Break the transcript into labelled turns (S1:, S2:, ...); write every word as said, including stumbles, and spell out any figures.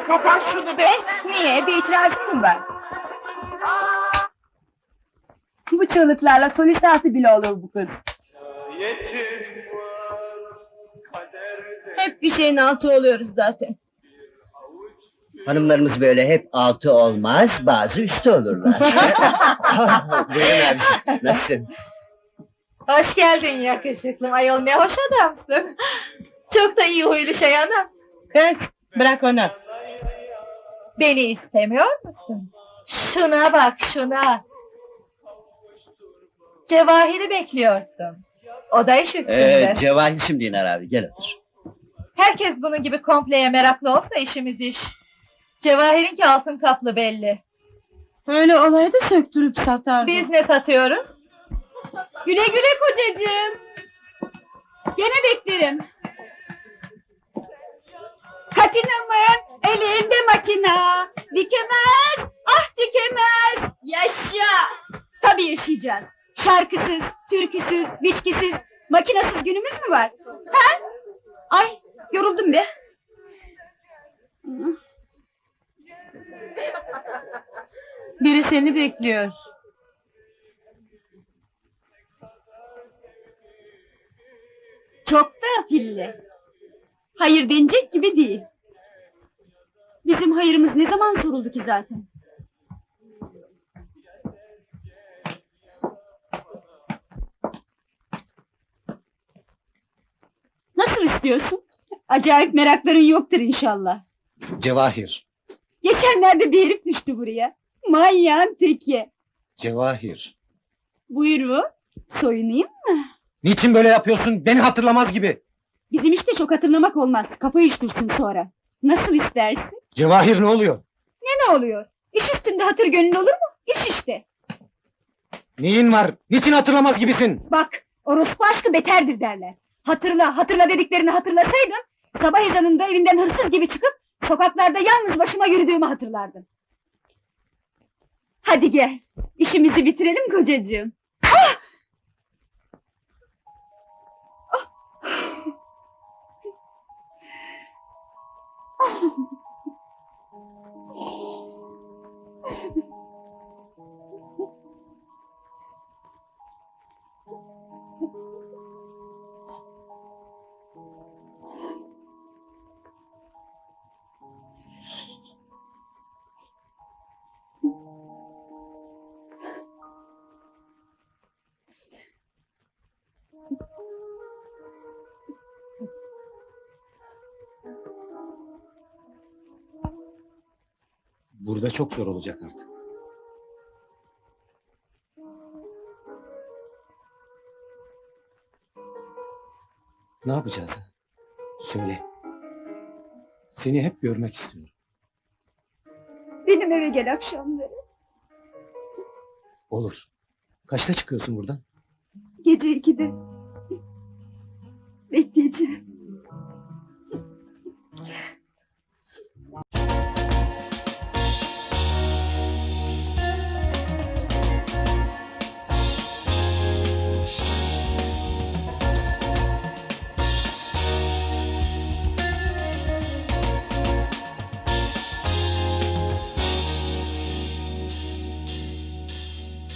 S1: Kapat şunu be!
S2: Niye? Bir itirazın mı var? Bu çığlıklarla solistası bile olur bu kız.
S3: Yetim var kaderde.
S1: Hep bir şeyin altı oluyoruz zaten.
S4: Hanımlarımız böyle hep altı olmaz, bazı üstü olurlar. Buyurun abiciğim, nasılsın?
S1: Hoş geldin yakışıklım, ayol ne hoş adamsın. Çok da iyi huylu şey anam.
S5: Kız, bırak onu.
S1: Beni istemiyor musun? Şuna bak, şuna. Cevahir'i bekliyorsun. O da iş üstünde.
S4: Ee, Cevahir şimdi iner abi, gel otur.
S1: Herkes bunun gibi kompleye meraklı olsa işimiz iş. Cevahir'inki altın kaplı belli.
S5: Öyle olaydı söktürüp satardı.
S1: Biz ne satıyoruz?
S2: Güle güle kocacığım. Gene beklerim. Katinamın elinde makina. Dikemez, ah dikemez.
S1: Yaşa!
S2: Tabii yaşayacağız. Şarkısız, türküsüz, biçkisiz, makinasız günümüz mü var? Ha? Ay, yoruldum be.
S5: Biri seni bekliyor.
S2: Çok da pilli. Hayır denecek gibi değil. Bizim hayırımız ne zaman soruldu ki zaten? Nasıl istiyorsun? Acayip merakların yoktur inşallah.
S4: Cevahir,
S2: Geçenlerde bir herif düştü buraya. Manyağın teki.
S4: Cevahir.
S2: Buyurun, soyunayım mı?
S4: Niçin böyle yapıyorsun? Beni hatırlamaz gibi.
S2: Bizim işte çok hatırlamak olmaz. Kapı üştürsün sonra. Nasıl istersin?
S4: Cevahir ne oluyor?
S2: Ne ne oluyor? İş üstünde hatır gönül olur mu? İş işte.
S4: Neyin var? Niçin hatırlamaz gibisin?
S2: Bak, orospu aşkı beterdir derler. Hatırla, hatırla dediklerini hatırlasaydın, sabah ezanında evinden hırsız gibi çıkıp, sokaklarda yalnız başıma yürüdüğümü hatırlardın. Hadi gel, işimizi bitirelim kocacığım. Ah!
S4: Burada çok zor olacak artık. Ne yapacağız ha? Söyle. Seni hep görmek istiyorum.
S2: Benim eve gel akşamları.
S4: Olur. Kaçta çıkıyorsun buradan?
S2: Gece ikide. Bekleyeceğim.